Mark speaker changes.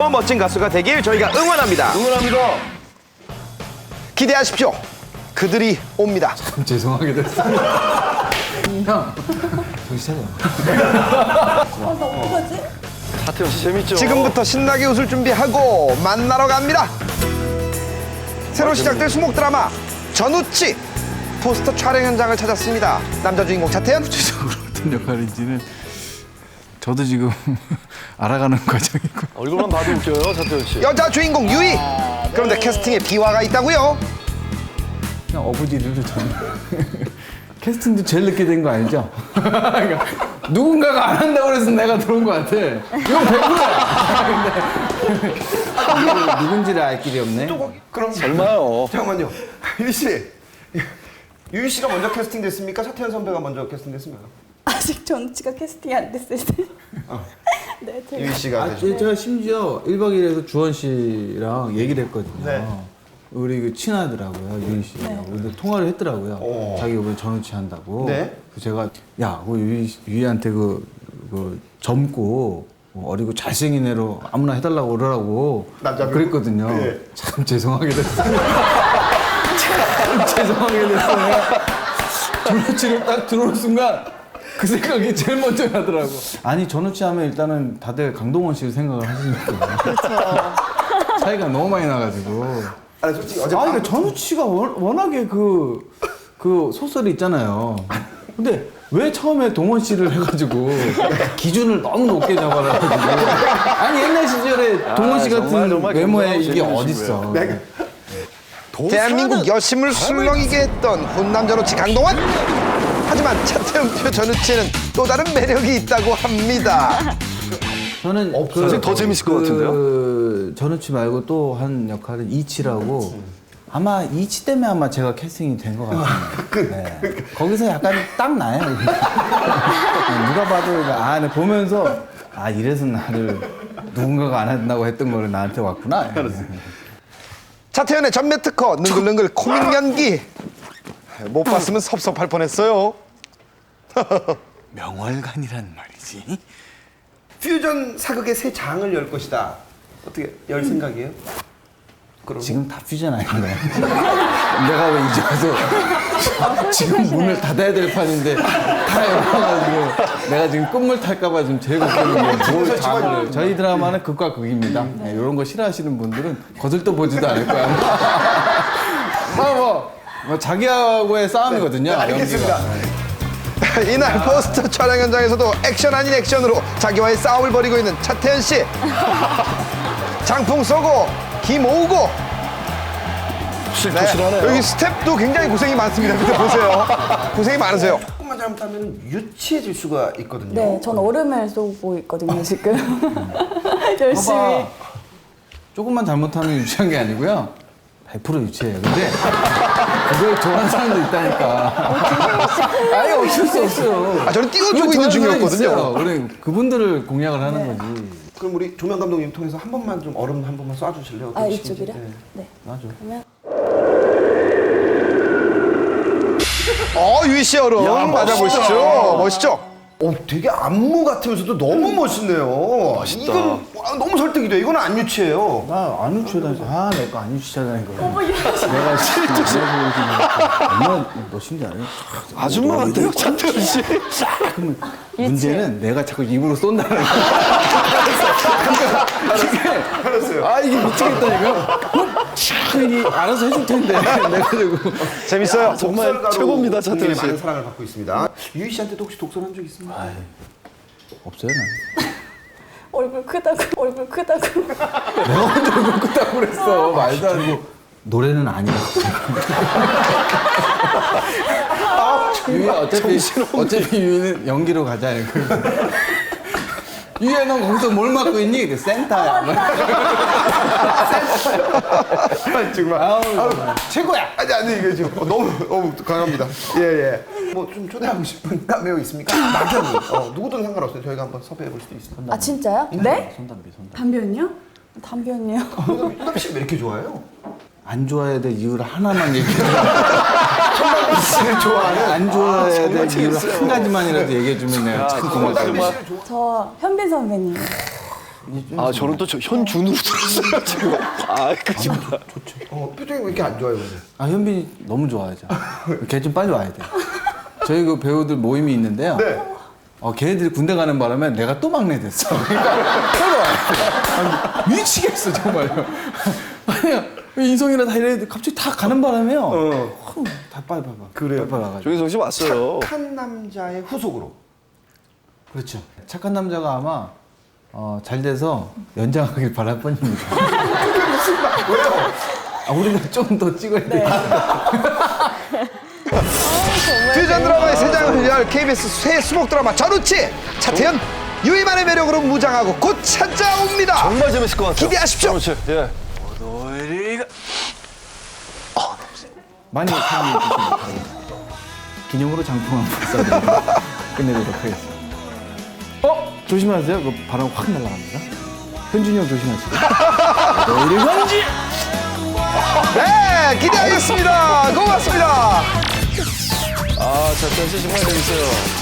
Speaker 1: 멋진 가수가 되길 저희가 응원합니다.
Speaker 2: 응원합니다.
Speaker 1: 기대하십시오. 그들이 옵니다.
Speaker 3: 죄송하게 됐어요. 형, 정신 차려.
Speaker 4: 나 어떡하지?
Speaker 2: 차태현 씨 재밌죠?
Speaker 1: 지금부터 신나게 웃을 준비하고 만나러 갑니다. 새로 시작될 수목 드라마 전우치 포스터 촬영 현장을 찾았습니다. 남자 주인공 차태현,
Speaker 3: 구체적으로 어떤 역할인지는 저도 지금 알아가는 과정이고.
Speaker 2: 얼굴만 봐도 웃겨요, 차태현 씨.
Speaker 1: 여자 주인공 유희. 그런데 캐스팅에 비화가 있다고요?
Speaker 3: 그냥 어부지리로 저는 캐스팅도 제일 늦게 된 거 아니죠? 그러니까 누군가가 안 한다고 그래서 내가 들어온 거 같아. 이건 100%야. 근데 누군지를 알 길이 없네.
Speaker 1: 그럼
Speaker 2: 얼마요?
Speaker 1: 잠깐만요. 유희 씨. 유희 씨가 먼저 캐스팅 됐습니까? 차태현 선배가 먼저 캐스팅 됐습니까?
Speaker 4: 아직 전우치가 캐스팅이 안 됐을 때. 네, 제가.
Speaker 1: 유희 씨가
Speaker 3: 아, 제가 심지어 1박 2일에서 주원 씨랑 얘기를 했거든요.
Speaker 1: 네.
Speaker 3: 우리 그 친하더라고요, 유희 씨하고. 근데 통화를 했더라고요. 자기 이번에 전우치 한다고.
Speaker 1: 네.
Speaker 3: 그래서 제가, 야, 그 유희한테 젊고 어리고 잘생긴 애로 아무나 해달라고 그러라고
Speaker 1: 남자분?
Speaker 3: 그랬거든요.
Speaker 1: 네.
Speaker 3: 참 죄송하게 됐어요. 참 죄송하게 됐어요. 전우치를 딱 들어오는 순간 그 생각이 제일 먼저 나더라고. 아니, 전우치 하면 일단은 다들 강동원 씨를 생각을 하시니까.
Speaker 4: 그렇죠.
Speaker 3: 차이가 너무 많이 나가지고.
Speaker 1: 아니 솔직히 어제
Speaker 3: 그러니까 전우치가 워낙에 그 소설이 있잖아요. 근데 왜 처음에 동원 씨를 해가지고 기준을 너무 높게 잡아가지고. 아니, 옛날 시절에 동원 씨 같은
Speaker 2: 정말
Speaker 3: 외모에
Speaker 2: 건강한
Speaker 3: 이게
Speaker 2: 질문이시고요.
Speaker 3: 어딨어.
Speaker 1: 대한민국 여심을 술렁이게 했던 훈남 전우치 강동원. 하지만 차태현표 전우치는 또 다른 매력이 있다고 합니다.
Speaker 3: 저는
Speaker 2: 사실 더 재밌을 것 같은데요?
Speaker 3: 전우치 말고 또 한 역할은 이치라고. 아마 이치 때문에 아마 제가 캐스팅이 된 것 같아요. 네. 거기서 약간 딱 나요. 누가 봐도 네, 보면서 이래서 나를 누군가가 안 한다고 했던 거를 나한테 왔구나.
Speaker 1: 차태현의 전매 특허 능글능글 코믹 연기 못 봤으면 섭섭할 뻔했어요.
Speaker 3: 명월관이란 말이지.
Speaker 1: 퓨전 사극의 새 장을 열 것이다. 어떻게 열 생각이에요? 그럼
Speaker 3: 지금 다 퓨전 아닌가요? 내가 왜 이제 와서 지금 문을 닫아야 될 판인데 다 열어가지고 내가 지금 끝물 탈까봐 지금 제일 걱정인 게 뭘 장을. 저희 드라마는 극과 극입니다. 네, 이런 거 싫어하시는 분들은 거들떠 보지도 않을 거야. 뭐 자기하고의 싸움이거든요.
Speaker 1: 알겠습니다.
Speaker 3: 연기가.
Speaker 1: 이날 포스터 촬영 현장에서도 액션 아닌 액션으로 자기와의 싸움을 벌이고 있는 차태현 씨. 장풍 쏘고 기 모으고.
Speaker 2: 실토실하네요.
Speaker 1: 여기 스텝도 굉장히 고생이 많습니다. 밑에 보세요. 고생이 많으세요. 조금만 잘못하면 유치해질 수가 있거든요.
Speaker 4: 네, 전 얼음을 쏘고 있거든요, 지금. 열심히.
Speaker 3: 봐봐. 조금만 잘못하면 유치한 게 아니고요. 100% 유치해요. 근데 그걸 좋아하는 사람도 있다니까. 아예 어쩔 수 없어요.
Speaker 1: 저는 띄워주고
Speaker 3: 그걸
Speaker 1: 있는
Speaker 3: 좋아하는 사람이
Speaker 1: 중이었거든요.
Speaker 3: 있어요. 우리 그분들을 공략을 하는 거지.
Speaker 1: 그럼 우리 조명 감독님 통해서 한 번만 좀 얼음 한 번만 쏴주실래요? 어떤 식인지?
Speaker 4: 이쪽이라?
Speaker 1: 네.
Speaker 4: 네.
Speaker 3: 맞아.
Speaker 4: 그러면
Speaker 1: 유희 씨 얼음
Speaker 2: 야,
Speaker 1: 맞아보시죠. 멋있죠? 되게 안무 같으면서도 너무 멋있네요.
Speaker 2: 멋있다.
Speaker 1: 이건 너무 설득이 돼. 이건 안 유치해요.
Speaker 3: 나 안 유치하다니까. 내 거 안 유치하다니까. 내가 실제 얼마나 멋있는지 알아요?
Speaker 2: 아줌마 같아요, 차태현 씨.
Speaker 3: 그러면 문제는 내가 자꾸 입으로 쏜다는 거야. 그러니까 이게 이게 미치겠다니까. 이게 알아서 해줄 텐데. 내가지고
Speaker 1: 재밌어요.
Speaker 2: 정말
Speaker 1: 독설가로
Speaker 2: 최고입니다, 차태현
Speaker 1: 국민의
Speaker 2: 씨.
Speaker 1: 많은 사랑을 받고 있습니다. 유희 씨한테도 혹시 독설 한 적 있습니까?
Speaker 3: 없어요 난.
Speaker 4: 얼굴 크다고.
Speaker 3: 내가 먼저 얼굴 끄다고 그랬어. 말도 안 되고. 노래는 아니었어. 유희 어차피 유희는 연기로 가자. 유희야 넌 거기서 뭘 맡고 있니? 그 센터야.
Speaker 1: 정말.
Speaker 3: 최고야.
Speaker 1: 아니 이게 지금 너무 강합니다. 예. 뭐 좀 초대하고 싶은 카메오 있습니까? 막연히. 누구든 상관없어요. 저희가 한번 섭외해 볼 수도 있습니다.
Speaker 4: 아, 진짜요? 네?
Speaker 3: 손담비.
Speaker 4: 담배은요? 담배은요?
Speaker 1: 유담 씨왜 이렇게 좋아해요?
Speaker 3: 안 좋아해야 될 이유를 하나만 얘기해.
Speaker 1: 씨를 좋아하는.
Speaker 3: 안 좋아해야 될 이유를
Speaker 2: 재밌어요.
Speaker 3: 한 가지만이라도 얘기해 주면 내가 참 고맙다.
Speaker 4: 저 현빈 선배님.
Speaker 2: 아, 저는 또 현준으로 들었어요, 지금. 아, 그죠.
Speaker 1: 표정이 왜 이렇게 안 좋아요, 오늘?
Speaker 3: 아 현빈이 너무 좋아하죠. 걔 좀 빨리 와야 돼. 저희 그 배우들 모임이 있는데요.
Speaker 1: 네.
Speaker 3: 걔네들이 군대 가는 바람에 내가 또 막내 됐어. 그러니까 빨리 와야 돼. 아니, 미치겠어 정말요. 아니 인성이나 다 이래 갑자기 다 가는 바람에요. 다 빨리 봐봐.
Speaker 1: 그래요?
Speaker 3: 빨리 와가지고.
Speaker 2: 조인성 씨 왔어요.
Speaker 1: 착한 남자의 후속으로.
Speaker 3: 그렇죠. 착한 남자가 아마 잘 돼서 연장하길 바랄 뿐입니다.
Speaker 1: 왜요?
Speaker 3: 우리가 좀 더 찍어야 돼.
Speaker 1: 퓨전 드라마의 새 장을 열 KBS 새 수목 드라마 전우치 차태현 유이만의 매력으로 무장하고 곧 찾아옵니다.
Speaker 2: 정말 재밌을 것 같아요.
Speaker 1: 기대하십시오.
Speaker 2: 그렇지. 예.
Speaker 3: 많이 사랑해 주시면 기념으로 장풍 한번 쏴드리고 끝내도록 하겠습니다. 조심하세요. 그 바람 확 날아갑니다. 현준이 형 조심하시고. 너희를 건지!
Speaker 1: 네, 기대하겠습니다. 고맙습니다.
Speaker 2: 아, 차태현 씨 정말 재밌어요.